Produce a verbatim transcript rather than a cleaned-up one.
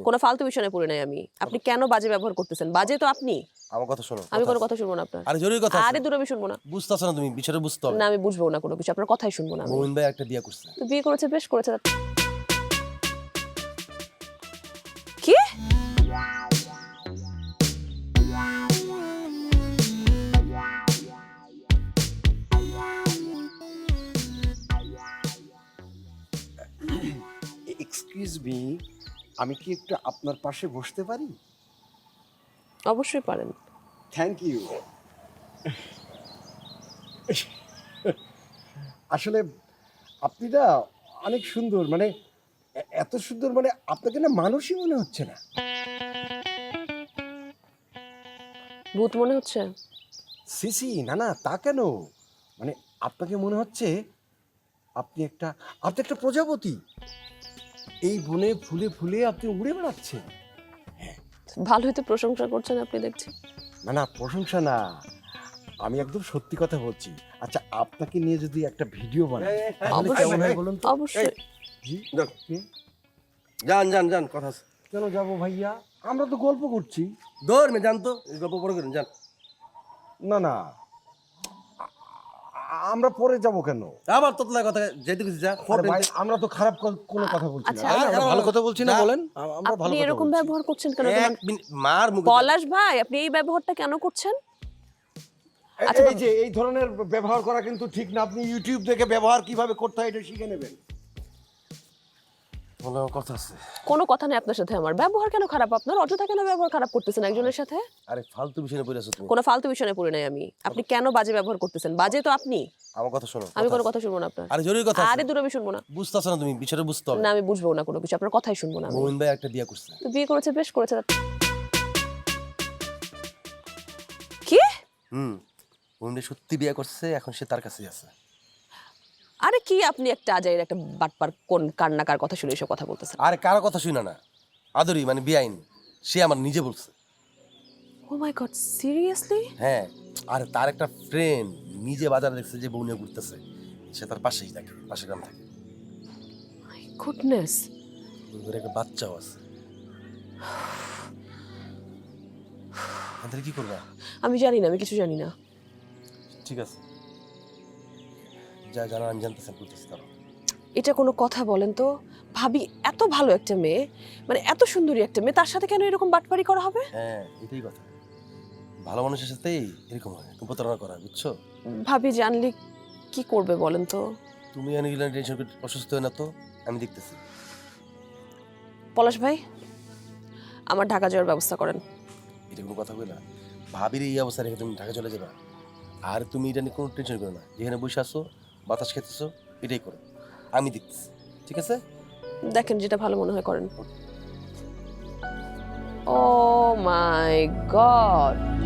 কোনো ফালতু বিষয়ে পড়ে নাই আমি। আপনি কেন বাজে ব্যবহার করতেছেন? বাজে তো আপনি। আমার কথা শোনো। আমি কোনো কথা শুনবো না আপনার। আরে জরুরি কথা আরে আছে। দূর আমি শুনবো না। বুঝতাছ না তুমি, বিষয়টা বুঝতে হবে। না আমি বুঝবো না কোনো কিছু। আপনার কথাই শুনবো না আমি। মোমিন ভাই একটা বিয়ে করছে। তো বিয়ে করেছে, বেশ করেছে। কি? এক্সকিউজ মি, আমি কি একটু আপনার পাশে বসতে পারি? অবশ্যই পারেন। Thank you. আসলে আপনি না অনেক সুন্দর, মানে এ- এত সুন্দর, মানে আপনাকে না মানুষই মনে হচ্ছে না। ভূত মনে হচ্ছে? সিসি না না, তা কেন? মানে আপনাকে মনে হচ্ছে আপনি একটা আপনি একটা প্রজাপতি। এই বনে ফুলে ফুলে আপনি উড়ে বেড়াচ্ছেন। ভালোই তো প্রশংসা করছেন আপনি দেখছি। না না, প্রশংসা না, আমি একদম সত্যি কথা বলছি। আচ্ছা, আপনাকে নিয়ে যদি একটা ভিডিও বানাই তাহলে অবশ্যই। কেমন হয় বলুন তো? অবশ্যই। জি, যান যান যান, কথা আছে। কেন যাবো ভাইয়া? আমরা তো গল্প করছি। দৌড় মে যান তো, এই গল্প পরে করেন, যান। না না, আ- আমরা পরে যাব কেন? আবার তোতলা কথা যেতে কিছু যা। আরে ভাই, আমরা তো খারাপ ক- কোনো কথা বলছি না, আচ্ছা, তাই না? আমরা আরে, ভালো কথা বলছি না, না। বলেন। আ- আমরা ভালো আপনি কথা এরকম বলছি। ব্যবহার করছেন কেন? এক তোমার মিনিট মার মুখে। পলাশ ভাই, আপনি এই ব্যবহারটা কেন করছেন? এ- আচ্ছা, এই যে এই ধরনের ব্যবহার করা কিন্তু ঠিক না। আপনি ইউটিউব দেখে ব্যবহার কিভাবে করতে হয় এটা শিখে নেবেন। বলো, কথা আছে। কোনো কথা নেই আপনার সাথে আমার। ব্যবহার কেন খারাপ আপনার? অযথা কেন ব্যবহার খারাপ করতেছেন একজনের সাথে? আরে ফালতু বিষয় নিয়ে পড়ে আছো তুমি। কোনো ফালতু বিষয়ে পড়ে নাই আমি। আপনি কেন বাজে ব্যবহার করতেছেন? বাজে তো আপনি। আমার কথা শোনো। আমি কোনো আছে। কথা শুনবো না আপনার। আরে জরুরি কথা আরে আছে। দূর আমি শুনবো না। বুঝতাছ না তুমি, বিষয়টা বুঝতে হবে। না আমি বুঝবো না কোনো কিছু। আপনার কথাই শুনবো না আমি। মোমিন ভাই একটা বিয়ে করছে। তো বিয়ে করেছে, বেশ করেছে। কি? হুম। মোমিন ভাই সত্যি বিয়ে করছে, এখন সে তার কাছেই আছে। আরে কি আপনি একটা আজাইর একটা বাটপার কোন কান্নাকার কথা শুনে এসব কথা বলতেছেন? আরে কারো কথা শুনা না, আদরি মানে বিআইন, সে আমার নিজে বলছে। Oh my God, seriously? হ্যাঁ। আর তার একটা ফ্রেন্ড নিজে বাজারে দেখছে যে বউ নিয়ে ঘুরতেছে, সে তার পাশেই থাকে, পাশে গ্রাম থাকে। My goodness. ওর একটা বাচ্চাও আছে। তাহলে কি করবা? আমি জানি না, আমি কিছু জানি না। ঠিক আছে, যা জানা আমি জানতেছেন করতেছি তারা। এটা কোনো কথা বলেন তো? ভাবি এত ভালো একটা মেয়ে, মানে এত সুন্দরী একটা মেয়ে, তার সাথে কেন এরকম বাটপারি করা হবে? হ্যাঁ, এটাই কথা। ভালো মানুষের সাথেই এরকম হয়, একটু প্রতারণা করা, বুঝছো? ভাবি জানলে কি করবে বলেন তো? তুমি অনেক টেনশন করে অসুস্থ হয় না তো, আমি দেখতেছি। পলাশ ভাই, আমার ঢাকা যাওয়ার ব্যবস্থা করেন। এটা কোনো কথা কইলা? ভাবির এই অবস্থা রেখে তুমি ঢাকা চলে যাবা? আর তুমি এটা নিয়ে কোনো টেনশন করো না, যেখানে বসে আসো বাতাস খেতেছো এটাই করো, আমি দেখতেছি। ঠিক আছে? দেখেন যেটা ভালো মনে হয় করেন। ও মাই গড,